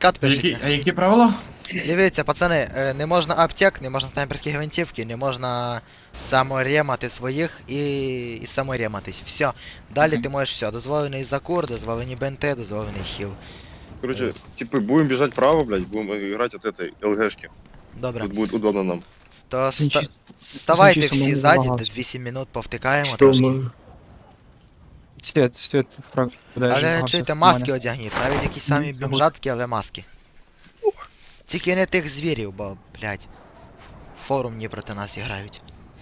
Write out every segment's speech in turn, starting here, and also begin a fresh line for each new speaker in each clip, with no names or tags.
відкат пишеться.
А які правила?
Дивіться, пацани, не можна аптек, не можна снайперські гвинтівки, не можна саморемати своїх і саморематись. Все. Далі
Окей.
ти можеш все. Дозволений закур, дозволені бенти, дозволений хіл.
Короче, типа, будем бежать вправо, блядь, будем играть от этой ЛГшки.
Добре.
Тут будет удобно нам.
То
Санчіс-
ставайте
Санчісом
всі
не
ззаді,
намагався.
десь 8 минут повтикаємо
Что
трошки.
мы?
Світ, фраг.
Але чуєте, маски одягніть, навіть якісь самі бомжатки, але маски. Тільки не тих звірів, бо, блядь, форумні проти нас грають.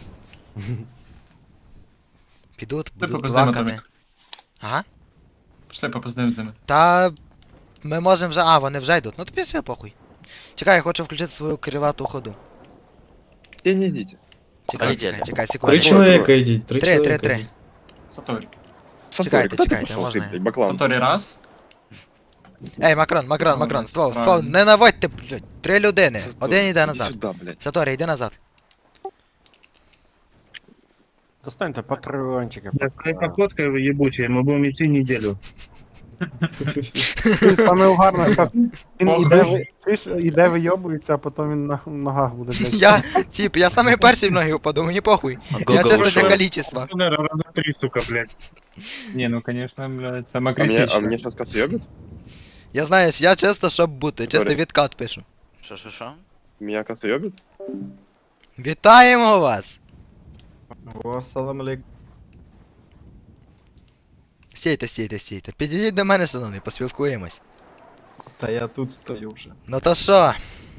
Підуть, будуть
попиздимо
плакати.
Томік.
Ага.
Пішли попиздим з ними.
Та ми можемо вже. А, вони вже йдуть. Ну тобі все похуй. Чекай, я хочу включити свою кривату ходу.
Не идите.
Чекай,
Полетели.
чекай, чекай,
Три
секунду.
человека идите, три
Три,
человека.
три.
идите.
Саторі.
Сантори,
Чекайте,
куда ты
чекайте,
пошел,
можно
ты,
я?
блядь, баклан?
Саторі раз.
Ей, Макрон, ствол,
Правильно.
не наводьте, блядь, 3 людини. Один йде
Иди
назад.
сюда, блядь.
Саторі, йди назад.
Достаньте патрончики.
Да с твоей походкой вы ебучие, мы будем идти неделю.
Саме угарно, зараз він
Похуй.
іде вийобується, а потім він на ногах буде, блядь.
Я, тип, я самий перший в ноги упаду, мені похуй. Я чисто для количества.
Наверное, раза 3, сука, блядь.
Не, ну конечно, блядь,
А
саме
мне,
критично.
сейчас касса ёбит?
Я знаєш, я чисто, щоб бути, чисто
Саторі.
відкат пишу.
Шо?
Меня касса ёбит?
Вітаємо вас!
О, салам алейкум.
Стійте. Підійдіть до мене, шановний, поспілкуємось.
Та я тут стою вже.
Ну то що?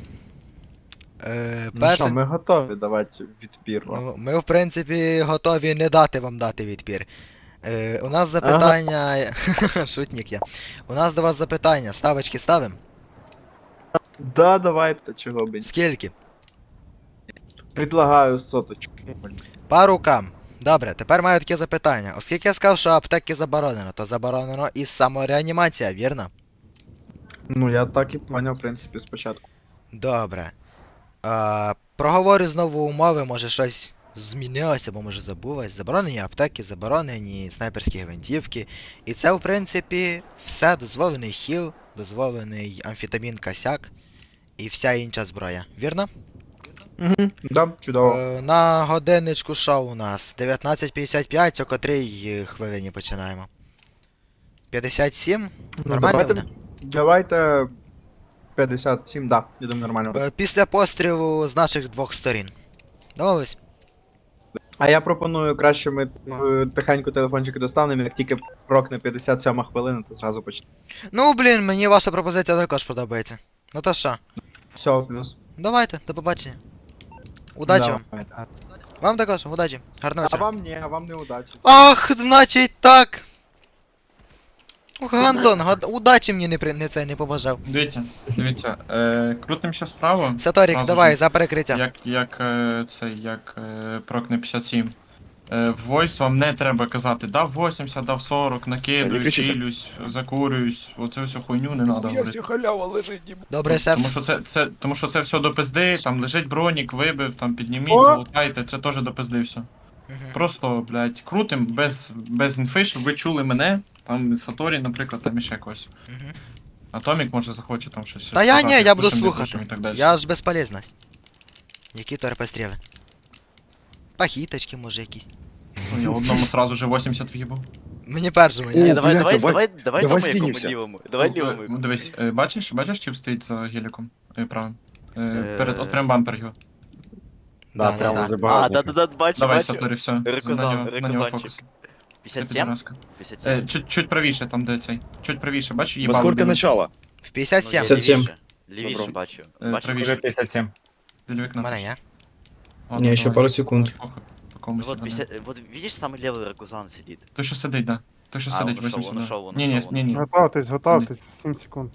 Ну що,
Перше,
ми готові давати відпір вам.
ну, ми в принципі готові не дати вам дати відпір. У нас запитання. Шутник я. У нас до вас запитання. Ставочки ставим?
Да, давайте, чого б.
Скільки?
Предлагаю соточку.
По рукам. Добре, тепер маю таке запитання. Оскільки я сказав, що аптеки заборонено, то заборонено і самореанімація, вірно?
Ну, я так і поняв, в принципі, спочатку.
Добре. Проговорю знову умови, може щось змінилося, або може забулось. Заборонені аптеки, заборонені снайперські гвинтівки. І це, в принципі, все. Дозволений хіл, дозволений амфетамін косяк і вся інша зброя. Вірно?
Угу, да, чудово.
На годинничку шоу у нас 19:55, о котрій хвилині починаємо? 57? Нормально
давайте,
буде?
давайте 57, да, я думаю, нормально.
Після пострілу з наших двох сторін. Домовились?
А я пропоную краще ми тихенько телефончики достанемо, як тільки прокне 57 хвилина, то зразу почнемо.
Ну, блін, мені ваша пропозиція також подобається. Ну то що?
Все, плюс.
Давайте, до побачення. Удачі вам.
Давайте.
Вам також, удачі. Гарного
А
вечора.
вам ні, а вам не удачі.
Ах, значить так. Ох, Гандон, удачі мені не побажав.
Дивіться, крутим ще справа.
Саторік,
Зразу
давай,
ж,
за перекриття.
як прокне 57. В Voice вам не треба казати, дав 80, дав 40,
Не
накидую,
кричіть.
чилюсь, закурююсь, оцю всю хуйню не треба говорити.
халява лежить,
Добре, шеф.
Тому що це все до пизди, там лежить бронік, вибив, там підніміть,
О!
залутайте, це теж до пизди все.
Мгм.
Просто, блядь, крутим, без інфи, щоб ви чули мене, там Саторі, наприклад, там іще когось.
Мгм.
Атомік може захоче там щось.
Та я
сказати,
ні, я буду
пушим, не
слухати.
пушим і так далі.
Я ж безполезність. Які то РП-стріли? Пахіточки, може, якісь.
Ну, я одному сразу же 80 в'їбав.
Мені першому,
О,
ні.
Ні, давай
блядь,
по
давай
моєму
скинемся.
лівому. Давай лівому.
Ну, дивись, бачиш, тип стоїть за геліком правим?
Е.
От прям бампер його.
Да, да, да.
А, да, бачу,
Давай,
бачу.
Саторі, все.
Рекузан,
На нього
рекузанчик.
фокус.
57?
Чуть
57?
правіше, там де цей. Чуть правіше, бачиш,
Во
їбало.
сколько
біле.
начало?
В 57.
Ну, я
57.
Лівіше
Добро.
бачу.
Правіше.
57.
Біля
У
вікна.
мене є.
Ладно,
Ні, ще
давай.
пару секунд.
Похуй, по комусь,
Вот,
да.
50, вот видишь, самый левый ракузан сидит.
Той, що сидить, да. Той, що
А,
сидить,
он ушел,
80.
он
да.
ушел, он
Ні,
ушел,
ні.
Готовтесь, 7 секунд.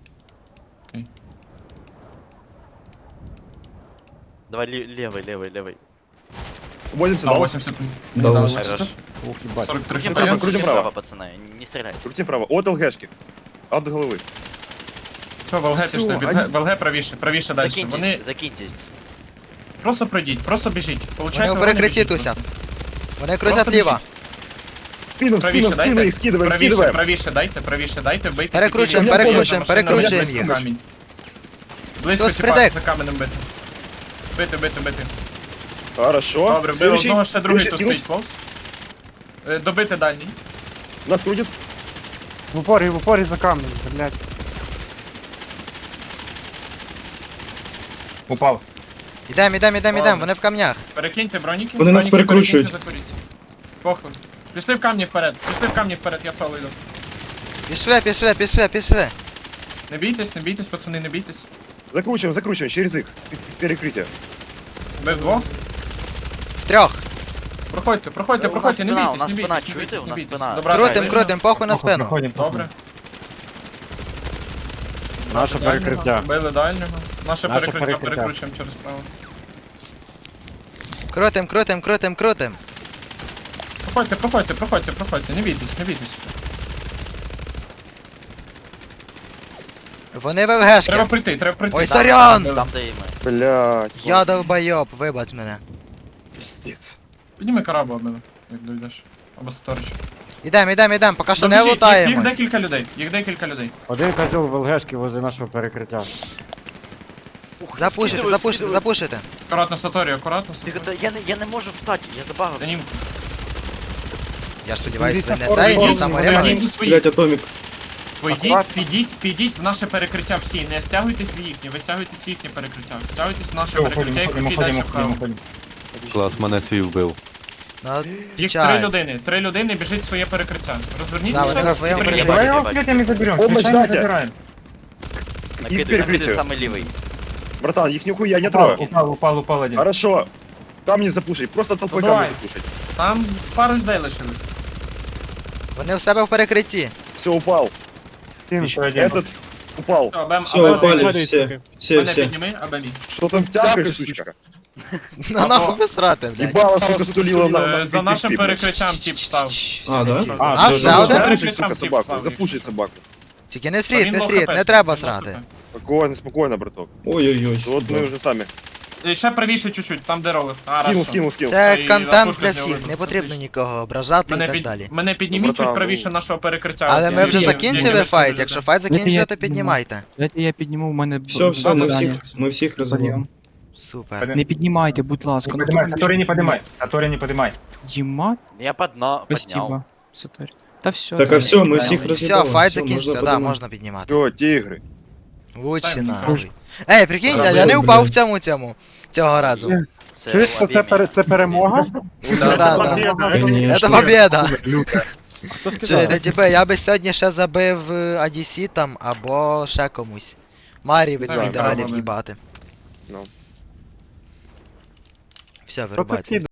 Давай левый.
80
А,
дал?
80.
Да,
Да,
80.
80.
Ух,
ебать. 43
Крутим
хп.
право,
крутим право.
пацаны, не стреляй.
Крути вправо. От ЛГшки. От головы.
Все, в ЛГ
Всё,
пішли,
они-
в ЛГ правіше далі. Вони
Закиньтесь.
просто пройдіть, просто біжіть.
Вони
Получається,
у перекритті туся. Вони крутять ліво.
Спину,
Правіше дайте,
их скидываем.
правіше дайте, вбийте.
Перекручуємо,
тільки-
перекручуємо,
Машина
перекручуємо
машина
їх.
камінь. Близько
Тут
тіпа,
Фредек.
за каменем бити. Бити.
Хорошо.
Добре, вбили
Следующий.
одного, ще другий
Следующий
тут
скинул.
стоїть повз. Добити дальній.
Нас крутит.
В упорі за камнем, блядь.
Упав.
Ідем, вони в камнях.
Перекиньте броніки.
Вони нас
броніки
перекручують.
перекиньте, закуріться. Похуй. Пішли в камні вперед, я соло йду.
Пішли.
Не бійтесь, пацани, не бійтесь.
Закручиваем через их. Перекрытие.
Бив двох.
Втрьох.
Проходьте,
У нас
не
спина,
бійтесь,
у нас
не
спина,
бійтесь,
чуєте?
не
У нас
бійтесь.
спина.
Добра,
Крутим, похуй на спину.
Добре.
Наше перекриття.
Били дальнього. Наше
Наше
перекриття
перекриття.
перекручуємо через право.
Крутим.
Проходьте, не бійтесь.
Вони в ЛГшки.
Треба прийти.
Ой,
Да,
сорян!
били.
Там, де і ми.
Блядь.
Я долбойоб, вибач мене.
Пиздец.
Підніми карабу або, як дойдеш. Або Саторич.
Ідем, поки що не
Їх
лутаємось.
декілька людей.
Один козел в ЛГшки возле нашого перекриття.
Запушити.
Акуратно, Саторі, акуратно.
Тихо, я не можу встати, я забагав.
За ним.
Я сподіваюсь, ви не
Дивіться,
цей, не
форму,
самореманий.
Підіть свої.
Атомік.
Підіть в наше перекриття всі. Не стягуйтесь в їхнє, ви стягуйтесь в їхнє перекриття. Стягуйтесь в наше перекриття і крутіть далі вправо.
Клас, мене свій вбив.
Ну,
Їх
чай.
3 людини біжить в своє перекриття.
Да,
Розверніться
вони на своєму
і
перекритті.
приїдете.
Помощь дайте.
Накидуй,
перекриття.
самий лівий.
Братан, их нихуя не трогай.
Упал один.
Хорошо. Там не запушить. Просто толпой
Ну, давай.
камни запушить.
Там пару людей лишилось.
Вони в себе в перекритті.
Все, упал.
Еще один.
Этот упал.
Все, упали, все.
Мене підніми, Абелі.
Что там тякаешь, сучка?
Ну нахуй ви срати, блядь.
Ебало, сука, стулила на
За нашим перекриттям тип став.
А, да?
А, ще один?
Запушить, сука, собаку. Запушить собаку.
Тільки не сріть, не треба срати.
Спокойно, браток.
Ой-ой-ой.
Вот мы уже сами.
Ще правіше чуть-чуть, там де ролик.
Скинул.
Це
І
контент
запушити
для
з нього
всіх, не
вибрати.
потрібно нікого ображати і так далі.
Мене підніміть
Братан,
чуть правіше нашого перекриття.
Але ми вже
Я-
закінчили
я-
файт, якщо файт закінчили,
я
то
підніму.
піднімайте.
Дайте я підніму, в мене
Все,
завдання.
мы всех разобьем.
Супер.
Не піднімайте, будь ласка. Ну,
Сатори не поднимай.
Діма,
Я підняв.
спасибо. Сатори. Та все.
Так, а все, мы всех
Все,
разъебали.
файт
Всё,
закінчився,
можно
да,
поднимать.
можна піднімати.
Все, тигры.
Лучше
Дай мені
нахуй. Ей, прикинь, я не упав в цьому цього разу.
Чуєш, що це перемога?
Да.
Конечно.
Це победа. Чуєте, типу, я би сьогодні ще забив ADC там, або ще комусь. Марі в
Так,
ідеалі
так,
в'їбати.
Ну.
Все,
Що це
вирубайте.
скидає?